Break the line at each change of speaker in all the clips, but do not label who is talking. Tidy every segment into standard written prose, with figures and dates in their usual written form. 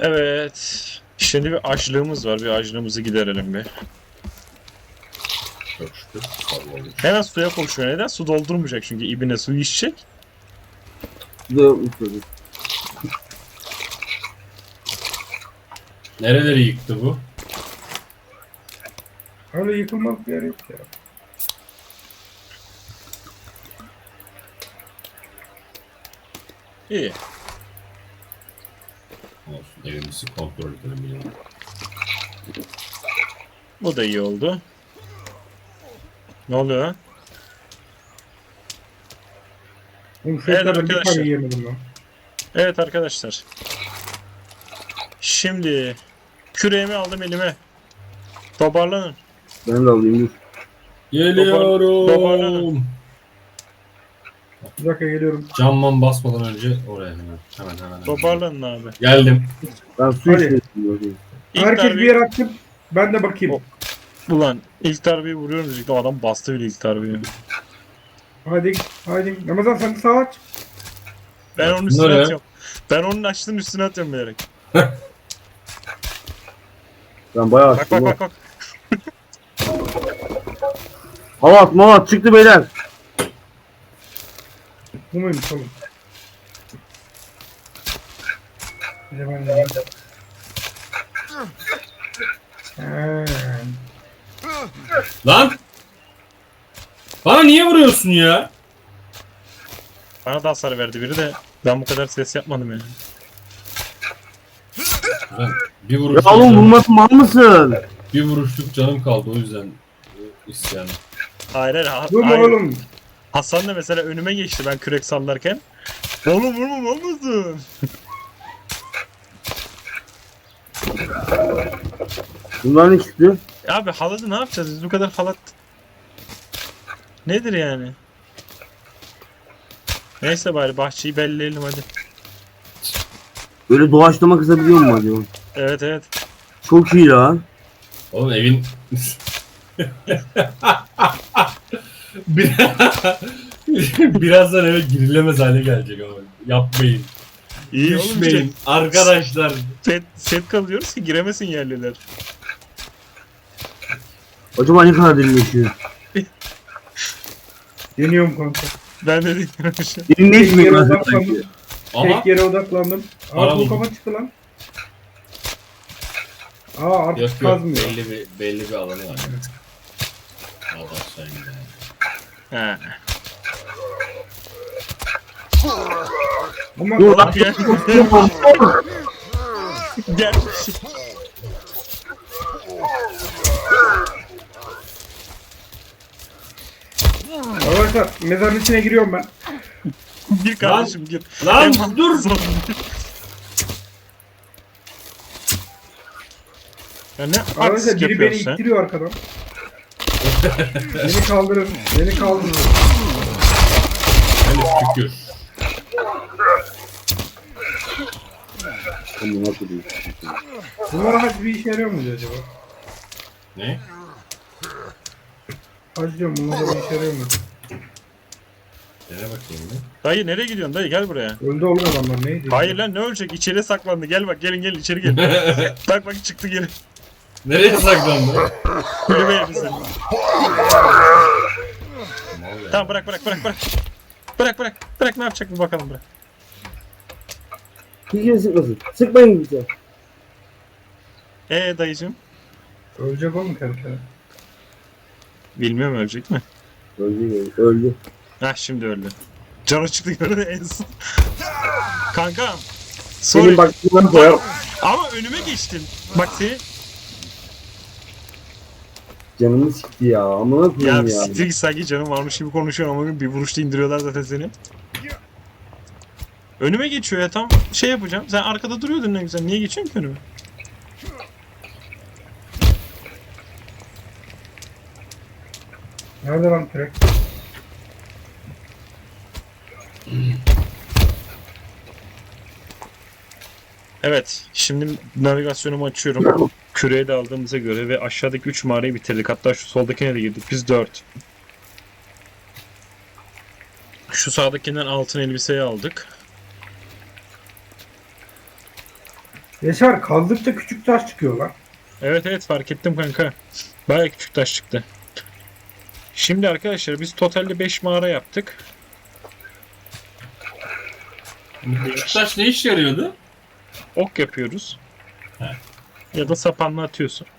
Evet. Şimdi bir açlığımız var. Bir açlığımızı giderelim bir.
Çok şükür. Sağ
Hemen suya koşuyor. Neden? Su doldurmayacak çünkü ibine suyu içecek.
Nereleri yıktı bu?
Öyle yıkılmak bir yer yok ya.
İyi.
Olsun. Evimizi kontrol edelim.
Bu da iyi oldu. Ne oluyor?
Oğlum şu
Evet
etlerden bir
arkadaşlar.
tane yiyemedim lan.
Evet arkadaşlar. Şimdi küreğimi aldım elime. Toparlanın.
Ben de alayım dur.
Geliyorum.
Toparlanın.
Bir dakika geliyorum.
Camman basmadan önce oraya hemen.
Toparlanın abi.
Geldim.
Ben su
Hadi.
içmedim. Bakayım.
İlk
Herkes bir
darbeyi...
yer açsın. Ben de bakayım.
O- Ulan ilk darbeyi vuruyorum diyecektim. Adam bastı bile ilk darbeyi.
Hadi. Hadi. Ramazan sen de sağ aç.
Ben onun
Ne
üstüne
ya?
atıyorum. Ben onun açtığının üstüne atıyorum bilerek.
Ben bayağı
Bak
açtım.
bak bak bak.
Havat çıktı beyler.
Bu muymuş oğlum? Bir de ben de yiyeyim.
Lan! Bana niye vuruyorsun ya?
Bana da hasar verdi biri de ben bu kadar ses yapmadım yani.
Ben bir
Ya
vuruşluk,
oğlum
canım,
vurmasın mal mısın?
bir vuruşluk canım kaldı o yüzden isyanım.
Hayır hayır.
Durma
hayır.
oğlum.
Hasan da mesela önüme geçti ben kürek sallarken. Oğlum vurma olmasın.
Bunlar ne çıktı?
Abi halatı ne yapacağız biz bu kadar halat. Nedir yani? Neyse bari bahçeyi belleyelim hadi.
Böyle doğaçlama kızabiliyor mu acaba?
Evet evet.
Çok iyi lan.
Oğlum evin... Bir- Birazdan eve girilemez hale gelecek ama. Yapmayın.
İyi oğlum
Düşmeyin.
işte.
Arkadaşlar.
Set kalıyoruz ki giremesin yerliler.
Acaba ne kadar derinleşiyor?
Deniyorum kanka.
Ben de diyorum işte.
Derinleşmiyor
Yere
lan
odaklandım.
sanki.
Ama
Tek yere odaklandım.
Ara
Aa bu
buldum.
kafa çıktı lan. Aa artık
yok yok
kazmıyor.
belli bir alanı var. Al aşağı gidelim.
He.
Ama
Dur lan.
Gel. Gel.
arkadaşlar mezarın içine giriyorum ben.
Gir kardeşim gir.
Lan
Hemen
dur.
zor. Ya ne
Arkadaşlar
artistik
biri beni
yapıyorsun sen?
ittiriyor arkadan. Beni kaldırın. Beni kaldırın.
Hani şükür.
Ama nasıl değil?
Bunlara hac bir işe yarıyor muydu acaba?
Ne?
Hac diyorum bunlara bir işe yarıyor muydu?
Dene bakayım bir.
Dayı nereye gidiyorsun dayı gel buraya.
Öldü oğlum adamlar neydi?
Hayır lan ne ölecek içeri saklandı gel bak gelin gelin içeri gelin. Bak bak çıktı geri.
Nereye saklandı?
Kulübeye bizi. Tamam bırak bırak bırak bırak. Bırak bırak bırak ne yapacak bir bakalım bırak.
Hiç sıkmasın. Sıkmayın bize.
Dayıcım.
Ölecek oğlum kanka.
Bilmiyorum ölecek mi?
Öldü.
Hah şimdi öldü. Canı çıktı gördü en son. Kankam.
Senin
Sorry.
bak bunları koyar.
Ama önüme geçtin. Bak seni.
Canımı sikti ya. Amına
Ya
koyayım
bir
ya.
siktir git sanki canım varmış gibi konuşuyor ama bir vuruşta indiriyorlar zaten seni. Önüme geçiyor ya tam şey yapacağım. Sen arkada duruyordun ne güzel. Niye geçiyorsun ki önüme?
Nerede lan kürek?
Evet. Şimdi navigasyonumu açıyorum. Küreği de aldığımıza göre ve aşağıdaki 3 mağarayı bitirdik. Hatta şu soldakine de girdik. Biz 4. Şu sağdakinden altın elbiseyi aldık.
Yaşar kazdıkça küçük taş çıkıyor lan.
Evet evet fark ettim kanka. Baya küçük taş çıktı. Şimdi arkadaşlar biz totalde 5 mağara yaptık.
Küçük taş ne işe yarıyordu?
Ok yapıyoruz.
He.
Ya da sapanla atıyorsun.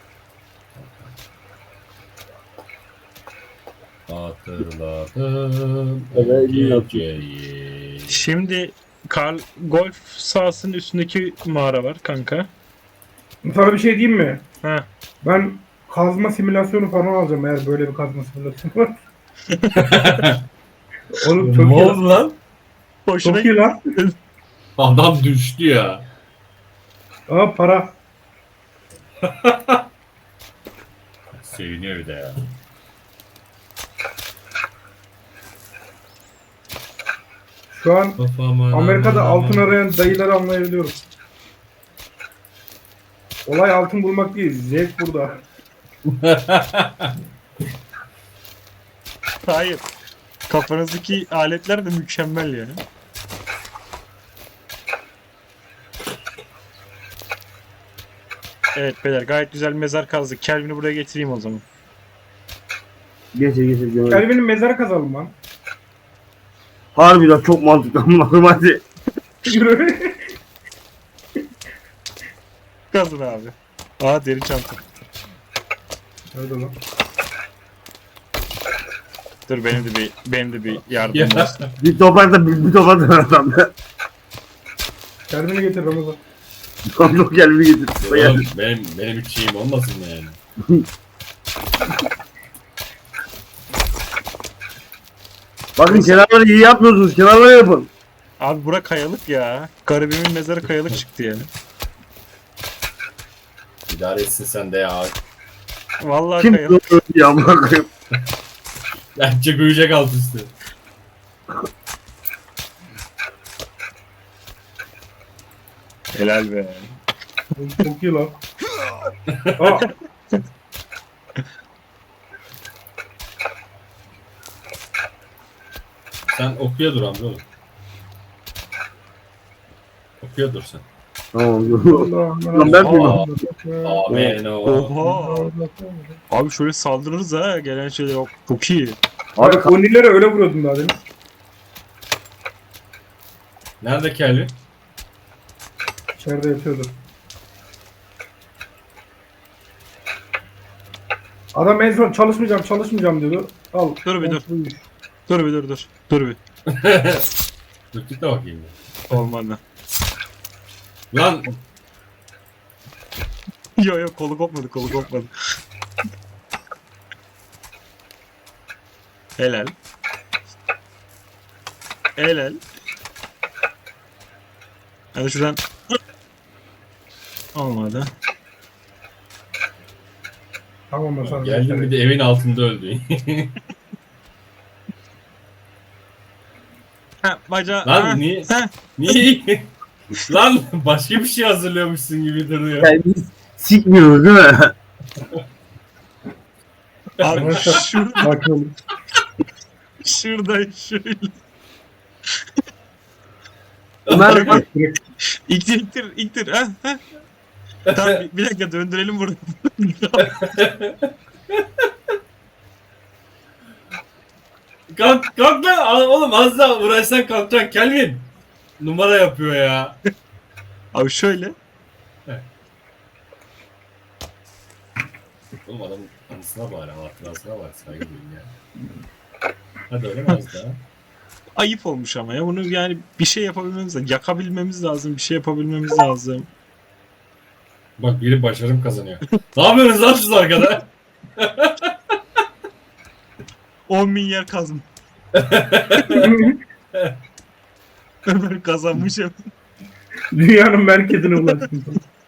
Hatırladım o
Evet,
geceyi.
Şimdi golf sahasının üstündeki mağara var kanka.
Sana bir şey diyeyim mi?
Ha.
Ben kazma simülasyonu falan alacağım eğer böyle bir kazma simülasyonu var. Oğlum çok
Ne
iyi lan.
oldu lan?
Hoşuna
Çok iyi lan.
Adam düştü ya.
Aa para.
Seviniyor bir de ya.
Şu an Amerika'da altın arayan dayıları anlayabiliyorum. Olay altın bulmak değil. Zevk burada.
Hayır. Kafanızdaki aletler de mükemmel yani. Evet beyler gayet güzel bir mezar kazdık. Kelvin'i buraya getireyim o zaman.
Getir. Cemal.
Kelvin'in mezarı kazalım lan.
Harbiden çok mantıklı. Amına koyayım hadi.
Yürü.
Kazın abi. Aa deri çanta.
Nerede lan?
Dur benim de bir yardım
Ya.
olsun.
Bir toprakta bir toprakta adam.
Kelvin'i getir Ramazan.
Çok gel bir getir.
Oğlum, benim hiç şeyim olmasın yani.
Bakın kenarları iyi yapmıyorsunuz. Kenarları yapın.
Abi bura kayalık ya. Garibimin mezarı kayalık çıktı yani.
İdare etsin sen de ya.
Vallahi
Kim
kayalık.
öldü ya amına koyayım.
Bence büyüyecek alt üstü.
Helal be.
Oğlum çok iyi lan. Aa,
Sen okuya dur amca oğlum. Okuya dur sen.
Tamam.
Allah
Lan ben
Aa.
Allah.
Amen o.
Oha. Abi şöyle saldırırız ha. Gelen şeyler yok. Çok iyi.
Abi
Bak Onilere öyle vuruyordum daha demin.
Nerede Kelvin?
İçeride yatıyordu. Adam en son çalışmayacağım diyordu. Al.
Dur bir dur. Dur bir.
Dürtük de bakayım.
Olmadı.
Lan
Yo kolu kopmadı. Helal. Hadi şuradan. Olmadı.
Tamam ben sana.
geldim bir de evin altında öldü.
Ha bacağı.
Lan
ha,
niye?
ha.
Niye? Lan başka bir şey hazırlıyormuşsun gibi duruyor.
kendiniz sikmiyoruz değil mi?
Abi
Sakin olun.
şuradan şöyle.
Ömer bak.
İktir. Ha. Tamam bir dakika döndürelim burada.
Kalk lan oğlum az daha uğraşsan kalkacaksın Kelvin. Numara yapıyor ya.
Abi şöyle.
Oğlum adamın anısına bari, hatırasına bari, saygı duyun ya. Hadi öyle mi az daha?
Ayıp olmuş ama ya. Bunu yani bir şey yapabilmemiz lazım. Yakabilmemiz lazım. Bir şey yapabilmemiz lazım.
Bak biri başarım kazanıyor. Ne yapıyorsunuz lan siz arkada?
10.000 yer kazma. Ömer kazanmış ya.
Dünyanın merkezine ulaştım.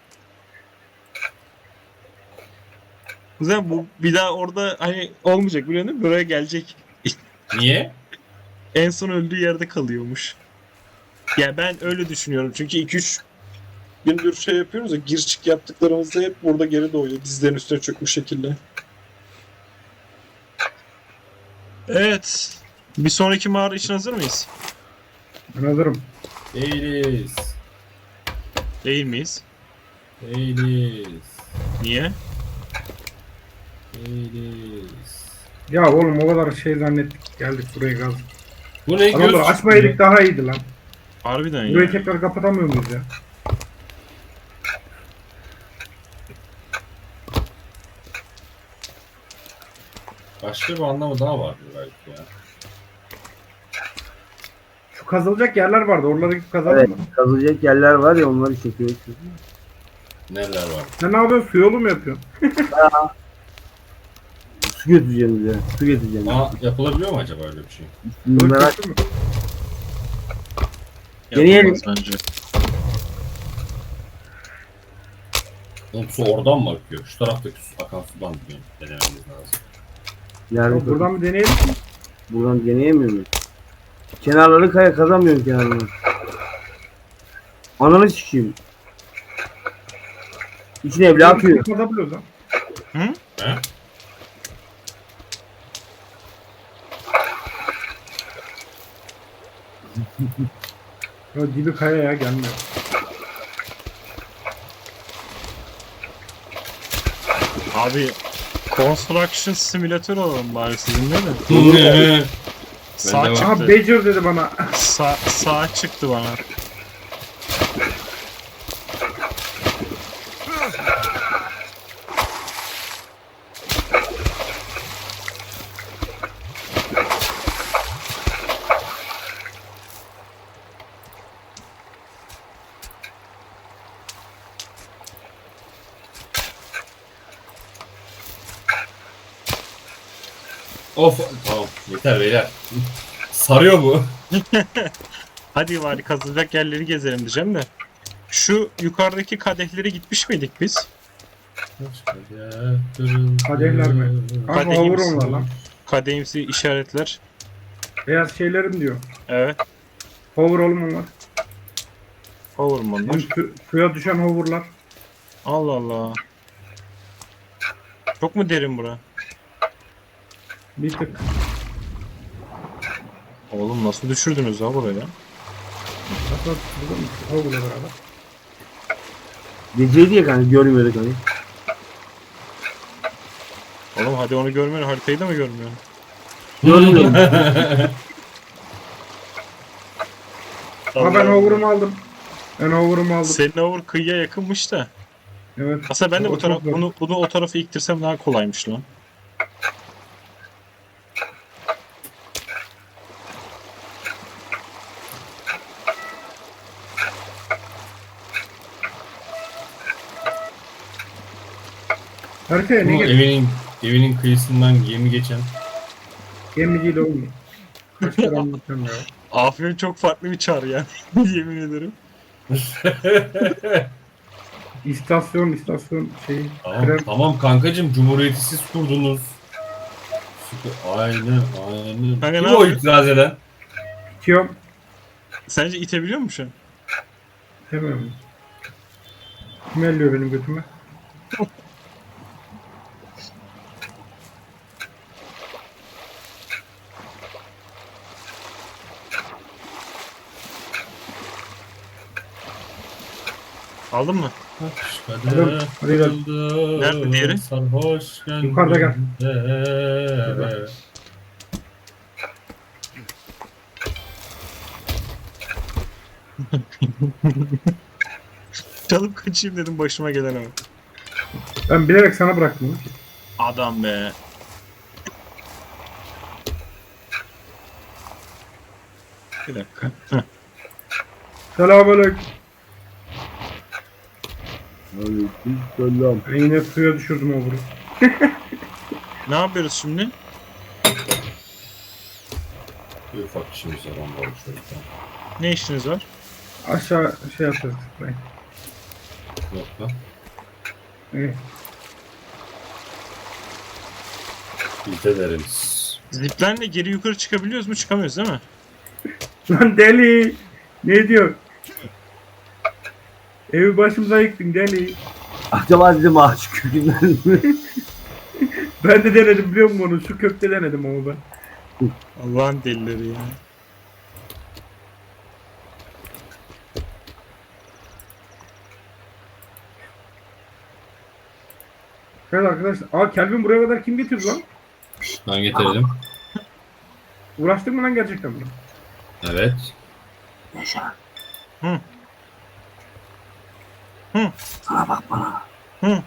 Güzel bu bir daha orada hani olmayacak biliyor musun? Buraya gelecek.
Niye?
En son öldüğü yerde kalıyormuş. Ya ben öyle düşünüyorum. Çünkü 2-3 gündür şey yapıyoruz ya gir çık yaptıklarımızda hep burada geri doğuyor. Dizlerin üstüne çökmüş şekilde. Evet. Bir sonraki mağara için hazır mıyız?
Ben hazırım.
Değiliz.
Değil miyiz?
Değiliz.
Niye?
Değiliz.
Ya oğlum o kadar şey zannettik. Geldik buraya gaz.
Bu ne
Adamlar
göz?
açmayaydık daha iyiydi lan.
Harbiden
Burayı
ya.
tekrar kapatamıyor muyuz ya?
Başka bir anlamı daha var belki ya.
Şu kazılacak yerler vardı. Oralara gidip kazalım
Evet.
mı?
Kazılacak yerler var ya onları çekiyoruz.
Neler var?
Sen ne yapıyorsun? Su yolu mu yapıyorsun?
Su götüreceğim bize. Su getireceğim.
Aa, yapılabiliyor mu acaba öyle bir şey?
Merak
Ölçüsü mü?
Deneyelim.
Yapılmaz bence.
Oğlum su oradan mı akıyor? Şu taraftaki su, akan sudan mı denememiz lazım?
Nerede?
Buradan bir deneyelim.
Buradan deneyemiyor muyuz? Kenarları kazamıyorum kenarını. Ananı sikeyim. İçine evle atıyor.
Kazabiliyoruz lan.
Hı?
He?
Ya dibi kaya ya gelmiyor.
Abi Construction Simulator alalım bari sizinle de. Sağ
Ben de
Aha
çıktı.
Badger dedi bana.
Sağ çıktı bana.
Of tamam yeter beyler. Sarıyor bu.
Hadi bari kazılacak yerleri gezelim diyeceğim de. Şu yukarıdaki kadehleri gitmiş miydik biz?
Kadehler mi? Kanka
Kadeh
hover
misin?
onlar lan.
Kadehimsi işaretler.
Beyaz şeylerim diyor.
Evet.
Hover oğlum onlar.
Olur mu onlar?
Suya düşen hoverlar.
Allah Allah. Çok mu derin bura?
Bir tık.
Oğlum nasıl düşürdünüz ha buraya?
Hatta burada mı? Hover'la beraber.
Gece diye kanka görmüyorduk hani.
Oğlum hadi onu görmüyorsun, haritayı da mı görmüyorsun?
Görmüyorum.
Ama ben hover'ımı aldım. Ben hover'ımı aldım.
Senin over kıyıya yakınmış da.
Evet.
Aslında ben de
O
bu taraf,
çok zor.
bunu o tarafa iktirsem daha kolaymış lan.
Haritaya ne
Bu
gerek?
evinin kıyısından gemi geçen.
Gemiciyle olmuyor. Kaç kere anlatıyorum ya.
Afyon çok farklı bir çağrı yani. Yemin ederim.
İstasyon şey.
Tamam,
Krem.
tamam kankacım Cumhuriyeti siz kurdunuz. Aynen.
Kanka
Kim
ne
o
yapıyor?
itiraz eden?
Bitiyorum.
Sence itebiliyor musun şu an?
Demiyorum. Kim elliyor benim götüme?
Aldın mı?
Hadi, hadi gel.
Nerede diğeri?
Sarhoş
Yukarıda gel.
gel.
Çalıp kaçayım dedim başıma gelen ama.
Ben bilerek sana bıraktım.
Adam be. Bir dakika. Heh.
Selamünaleyküm.
Selam.
Ben yine suya düşürdüm hover'ı.
Ne yapıyoruz şimdi?
Bir ufak işimiz var ondan şöyle.
Ne işiniz var?
Aşağı şey yapacağız.
Yok lan.
Evet.
Biz ederiz.
Ziplerle geri yukarı çıkabiliyoruz mu? Çıkamıyoruz değil mi?
Lan deli. Ne diyor? Evi başımıza yıktın deli.
Acaba dedim ağaç kökünden mi?
Ben de denedim biliyor musun onu? Şu kökte denedim ama ben.
Allah'ın delileri ya.
Evet arkadaşlar. Aa Kelvin buraya kadar kim getirdi lan?
Ben getirdim.
Uğraştın mı lan gerçekten bunu?
Evet.
Hı. Hı.
Sana bak bana.
Hı.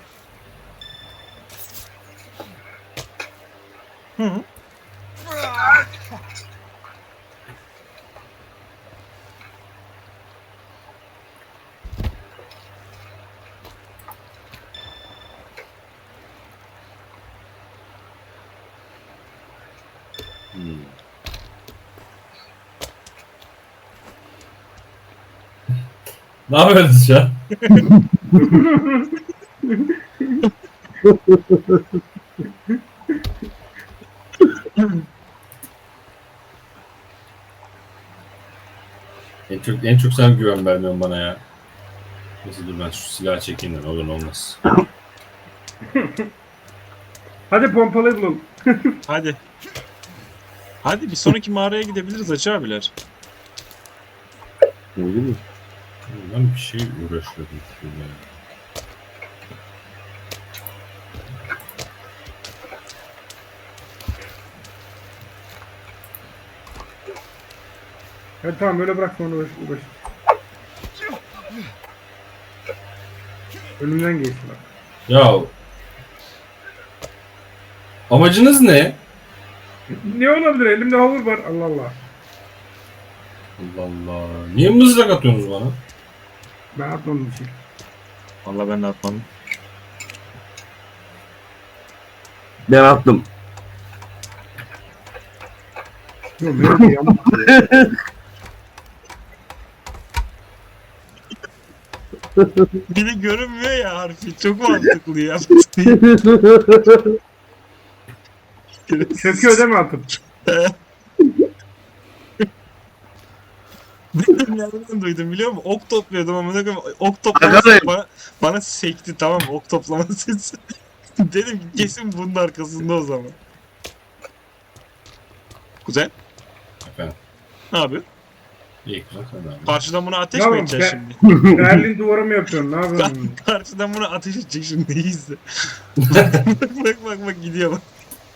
Hı.
Ne yapıyorsunuz şu an? En çok sen güven vermiyorsun bana ya. Neyse dur ben şu silahı çekeyim de ne olur ne olmaz.
Hadi pompalayı bulalım.
Hadi. Hadi bir sonraki mağaraya gidebiliriz Hacı abiler.
Ne bileyim.
Ben bir şey uğraşıyordum şurada.
Evet tamam öyle bırak sonra uğraş. Önümden geçti bak.
Ya amacınız ne?
Ne olabilir? Elimde havur var. Allah Allah.
Allah Allah. Niye mızrak atıyorsunuz bana?
Ben atmadım bir şey.
Vallahi ben de atmadım.
Ben attım.
Yok böyle bir yanlış.
Bir de görünmüyor ya harfi. Çok mantıklı ya.
Çöküyor değil mi atıp?
Nereden duydum biliyor musun? Ok topluyordum ama ne kadar ok toplama
Arkadaşlar.
sesi bana sekti, tamam mı? Ok toplama sesi. Dedim ki kesin bunun arkasında o zaman. Güzel.
Efendim.
Ne yapıyor?
İyi güzel sen de abi.
Karşıdan buna ateş
Tamam,
mi edeceksin şimdi?
Berlin duvara mı yapıyorsun? Ne yapıyorsun?
Karşıdan buna ateş edecek şimdi, iyi izle. bak gidiyor bak.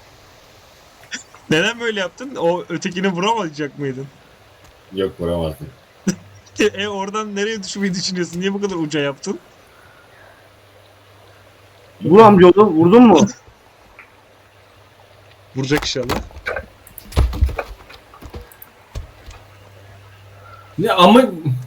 Neden böyle yaptın? O ötekini vuramayacak mıydın?
Yok vuramazdım.
Oradan nereye düşmeyi düşünüyorsun? Niye bu kadar uca yaptın?
Vur amcaoğlu. Vurdun mu?
Vuracak inşallah.
Ne ama...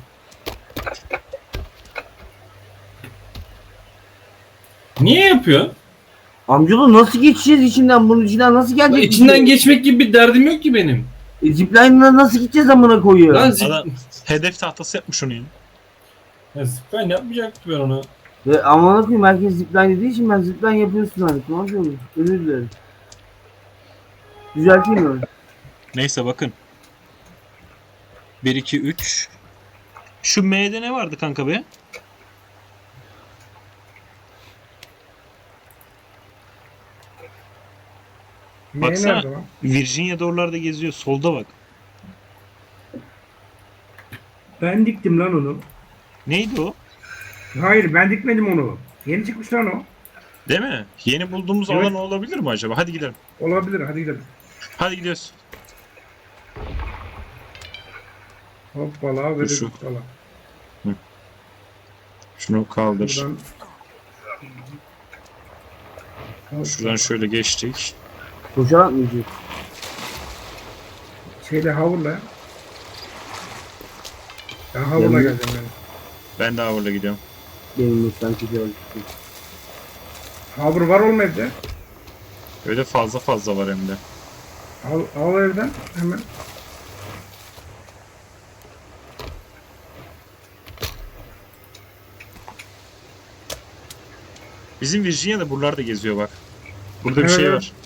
Niye yapıyorsun?
Amcaoğlu nasıl geçeceğiz içinden? Bunun içinden nasıl
Lan
gelecek?
içinden geçmek gibi bir derdim yok ki benim.
Zipline'la nasıl gideceğiz amına koyuyor?
Lan
Adam hedef tahtası yapmış onu ya.
zipline yapmayacaktı ben ona.
Ve amına koyayım herkes zipline dediği için ben zipline yapıyorsun hani. Ne yapıyor? Özür dilerim. Düzelteyim mi?
Neyse bakın. 1, 2, 3. Şu M'de ne vardı kanka be?
Ne
Baksana.
nerede lan?
Virginia'da oralarda geziyor. Solda bak.
Ben diktim lan onu.
Neydi o?
Hayır ben dikmedim onu. Yeni çıkmış lan o.
Değil mi? Yeni bulduğumuz
Evet.
alan olabilir mi acaba? Hadi gidelim.
Olabilir hadi gidelim.
Hadi gidiyoruz.
Hoppala böyle
Şu.
hoppala.
Şunu kaldır.
Buradan.
Şuradan şöyle geçtik.
Koşarak mı gidiyor?
Şeyle havurla. Ben havurla
Yanına-
geleceğim ben.
Ben de Avru'la gidiyorum.
Benim lütfen koşarak gidiyor.
Havur var oğlum evde.
Öyle fazla var hem de.
Al evden hemen.
Bizim Virginia'da buralarda geziyor bak. Burada bir
Evet,
şey
evet.
var.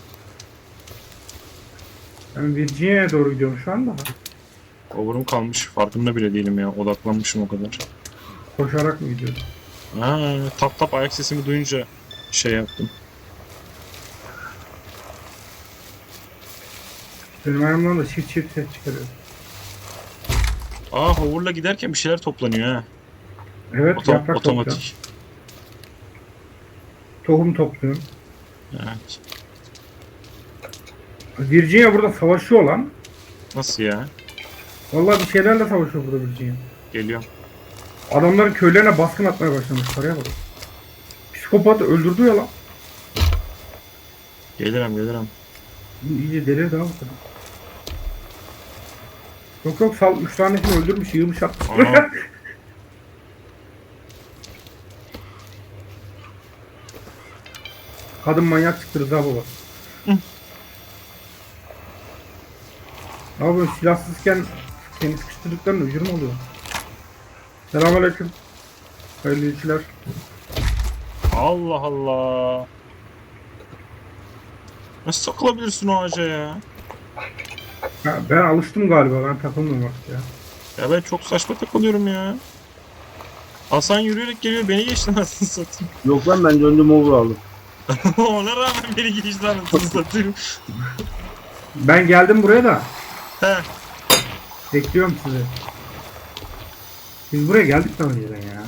Ben Virginia'ya doğru gidiyorum şu anda.
Over'um kalmış. Farkında bile değilim ya. Odaklanmışım o kadar.
Koşarak mı gidiyorum?
Tap ayak sesimi duyunca şey yaptım.
Benim ayağımdan da çift ses çıkarıyor.
Hover'la giderken bir şeyler toplanıyor ha.
Evet yaprak topluyorum.
Otomatik.
Tohum topluyorum.
Evet.
Virginia burada savaşıyor lan.
Nasıl ya?
Vallahi bir şeylerle savaşıyor burada Virginia.
Geliyorum.
Adamların köylerine baskın atmaya başlamış. Paraya bak. Psikopat öldürdü ya lan.
Gelirim.
Bu iyice delirdi ha bu kadar. Yok sal 3 tanesini öldürmüş, yığmış atmış.
Aha.
Kadın manyak çıktı Rıza baba. Abi böyle silahsızken kendi sıkıştırdıklarının ucunu mu oluyor? Selamünaleyküm. Hayırlı işler.
Allah Allah. Nasıl takılabilirsin o ağaca ya?
Ha, ben alıştım galiba, ben takılmıyorum artık ya.
Ya ben çok saçma takılıyorum ya. Hasan yürüyerek geliyor, beni geçti anasını satayım.
Yok lan ben döndüm over aldım.
Ona rağmen beni geçti anasını satayım.
Ben geldim buraya da.
He.
Bekliyorum sizi. Biz buraya geldik daha önceden ya.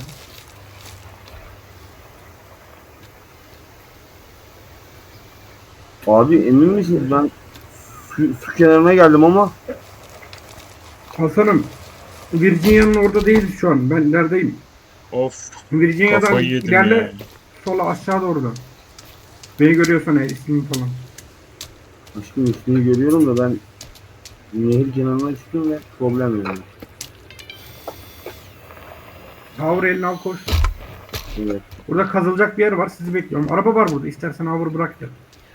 Abi emin misiniz ben su kenarına geldim ama
Hasan'ım, Virginia'nın orada değiliz şu an. Ben neredeyim?
Of,
Virginia'dan
kafayı yedim
ilerle,
ya.
sola aşağı doğru da. Beni görüyorsan eğer ismim falan.
aşkım üstünü görüyorum da ben nehir kenarına çıktım ve problem yok.
Hover elini al koş.
Evet.
Burada kazılacak bir yer var, sizi bekliyorum. Araba var burada, istersen hover bırak ya.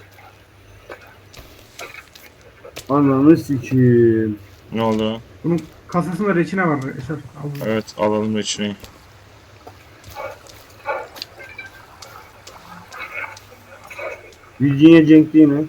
Ananı sikiyim.
Ne oldu?
Bunun kasasında reçine var. Eşer, al bunu.
Evet, alalım içine.
Virginia Cenk değil mi?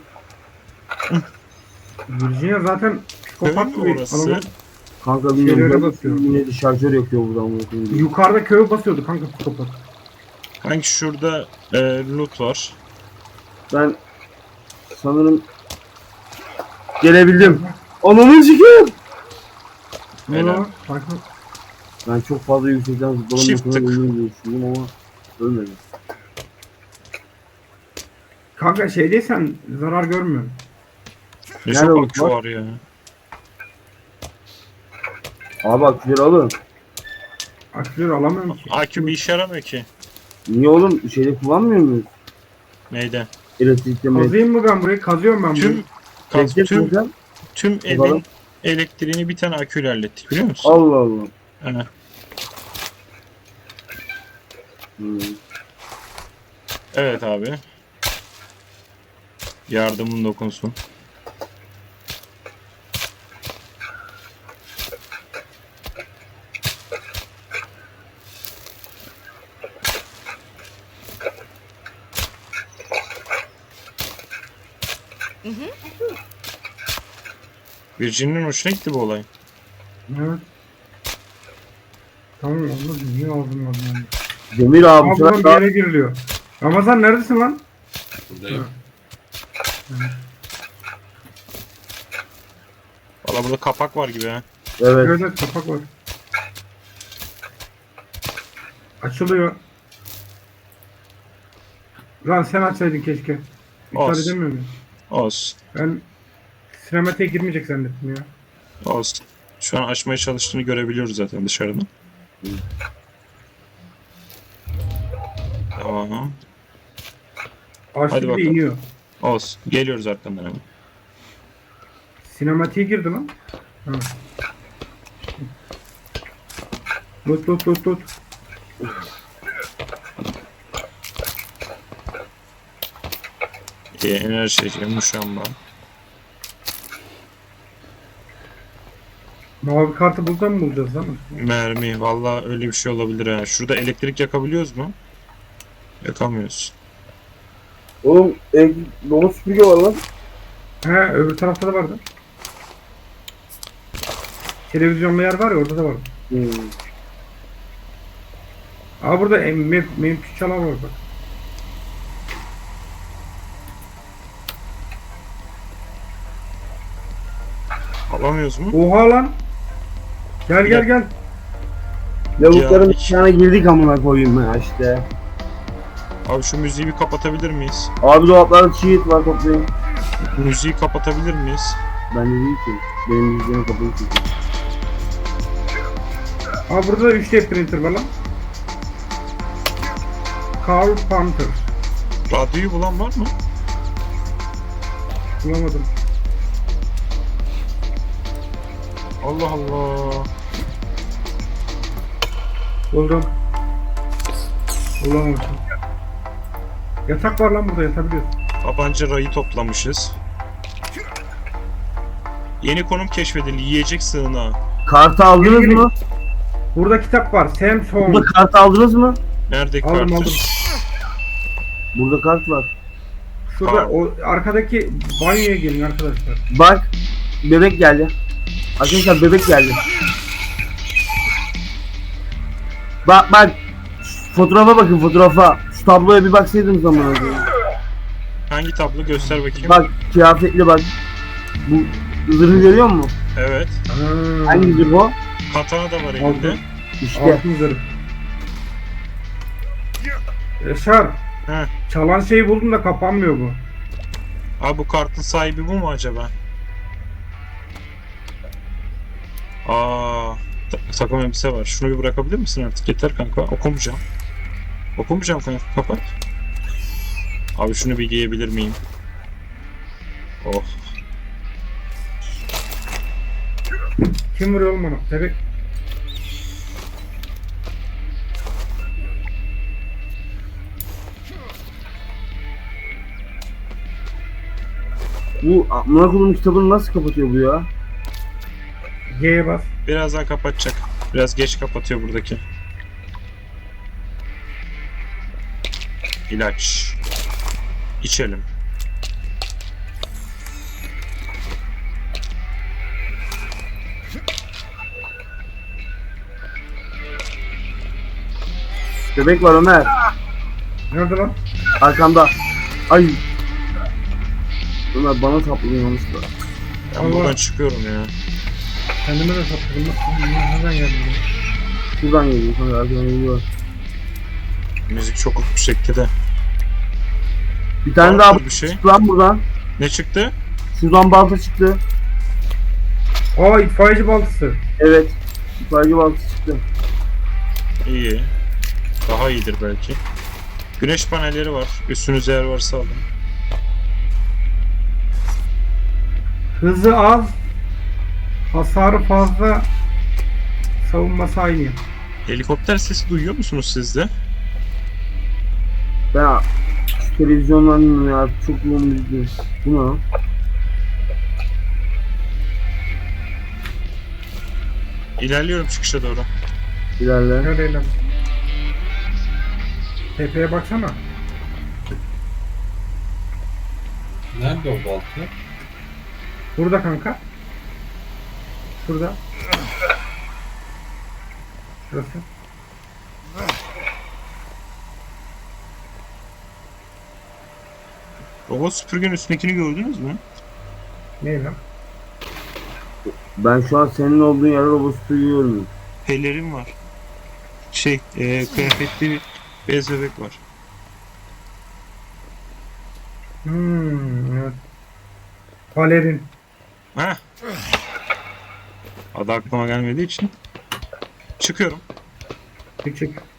Virginia zaten psikopat
Köy mü
bir
orası?
adamın.
Kanka
Şeylere
bilmiyorum.
basıyor.
Yine de şarjör yakıyor buradan.
Yukarıda köy basıyordu kanka psikopat.
Hangi şurada loot var?
Ben sanırım gelebildim. Ananı sikiyim.
Ne
Helal.
oldu lan? Farklı.
Ben çok fazla yüksekten zıpladım.
Çift tık.
Ölürüm diye düşündüm ama ölmedim.
Kanka şeydeysen zarar görmüyorsun.
Ne
Nerede
çok
loot
akü
var?
var ya.
Abi aküleri alın.
Aküleri alamıyorum ki.
Akü bir işe yaramıyor ki.
Niye oğlum şeyde kullanmıyor muyuz?
Neyde?
Elektrikte mi?
Kazıyım mı ben burayı? Kazıyorum ben burayı.
Tüm evin
Bakalım.
elektriğini bir tane aküyle hallettik, biliyor musun?
Allah Allah.
He.
Hmm.
Evet abi. Yardımın dokunsun. Virgin'in hoşuna gitti bu olay.
Evet. Tamam anladım. Niye ağzım var yani?
Demir abi
Ama
bu
buradan bir
sefer
yere giriliyor. Ramazan neredesin lan?
Buradayım.
Valla burada kapak var gibi ha.
evet.
Evet evet kapak var. Açılıyor. Lan sen açsaydın keşke. İptal
Olsun.
edemiyor muyum?
Olsun.
Ben sinematiğe girmeyecek zannettim ya.
Olsun. Şu an açmaya çalıştığını görebiliyoruz zaten dışarıdan. Tamam.
Açtı
Hadi
bir de
bakalım.
iniyor.
Olsun. Geliyoruz arkandan hemen.
Sinematiğe girdi lan. Ha. Tut.
Enerji muşamba.
Mavi kartı buradan mı bulacağız lan?
Mermi. Valla öyle bir şey olabilir ha. Şurada elektrik yakabiliyoruz mu? Yakamıyoruz.
Oğlum dolu süpürge var lan.
He öbür tarafta da vardı. Televizyonlu yer var ya orada da var.
Hmm.
Aa burada MP3 çalar var bak.
Alamıyoruz mu?
Oha lan. Gel.
Lavukların
Ya.
içine girdik amına koyayım ya işte.
Abi şu müziği bir kapatabilir miyiz?
Abi dolaplarda cheat var toplayın.
Müziği kapatabilir miyiz?
Bende değil ki. Benim müziğim kapalı çünkü.
Aa burada da 3D printer var lan. Carl Panther.
Radyoyu bulan var mı?
Bulamadım.
Allah Allah.
Buldum. Bulamamışım. Yatak var lan burada, yatabiliyorsun.
Tabanca rayı toplamışız. Yeni konum keşfedildi. Yiyecek sığınağı.
Kartı aldınız
Gelin.
mı?
Burada kitap var. Samsung.
Burada kart aldınız mı?
Nerede
Aldım,
kartı?
aldım.
Burada kart var.
Şurada
Tamam.
o arkadaki banyoya gelin arkadaşlar.
Bak. Bebek geldi. Arkadaşlar bebek geldi. Bak bak. Fotoğrafa bakın fotoğrafa. Şu tabloya bir baksaydınız zaman önce.
Hangi tablo? Göster bakayım.
Bak kıyafetli bak. Bu zırhı görüyor musun?
Evet.
Hangi zırh o?
Katana da var elinde.
Aldım.
İşte.
Altın zırh. Yaşar.
He.
Çalan şeyi buldum da kapanmıyor bu.
Abi bu kartın sahibi bu mu acaba? Aa, takım elbise var. Şunu bir bırakabilir misin artık? Yeter kanka. Okumayacağım. Okumayacağım kanka. Kapat. Abi şunu bir giyebilir miyim? Oh.
Kim vuruyor oğlum bana? Bebek.
Bu amına koyduğum kitabını nasıl kapatıyor bu ya?
G'ye bas.
Birazdan kapatacak. Biraz geç kapatıyor buradaki. İlaç. İçelim.
Bebek var Ömer.
Nerede lan?
Arkamda. Ay. Ömer bana sapladın yanlışlıkla.
Ben
Allah.
buradan çıkıyorum ya.
Kendime de sapladım. Nereden geldi bu?
Şuradan geliyor sonra arkadan geliyor.
Müzik çok yüksekti de.
Bir tane
Vardır
daha
bir şey.
çıktı lan buradan.
Ne çıktı?
Şuradan balta çıktı.
Aa itfaiyeci baltası.
Evet. İtfaiyeci baltası çıktı.
İyi. Daha iyidir belki. Güneş panelleri var. Üstünüze yer varsa alın.
Hızı az. Hasarı fazla. Savunması aynı.
Helikopter sesi duyuyor musunuz siz de?
Ben şu televizyondan dinliyorum ya. Çok yoğun müzik. Bu ne lan?
İlerliyorum çıkışa doğru.
İlerle.
Nerede lan? Tepeye baksana.
Nerede o balta?
Burada kanka. Şurada. Şurası.
Robot süpürgenin üstündekini gördünüz mü?
Ne lan?
Ben şu an senin olduğun yerde robot süpürüyorum.
Pelerin var. Kıyafetli bir bez bebek var.
Evet. Balerin.
Heh. Adı aklıma gelmediği için. Çıkıyorum.
Çık çık.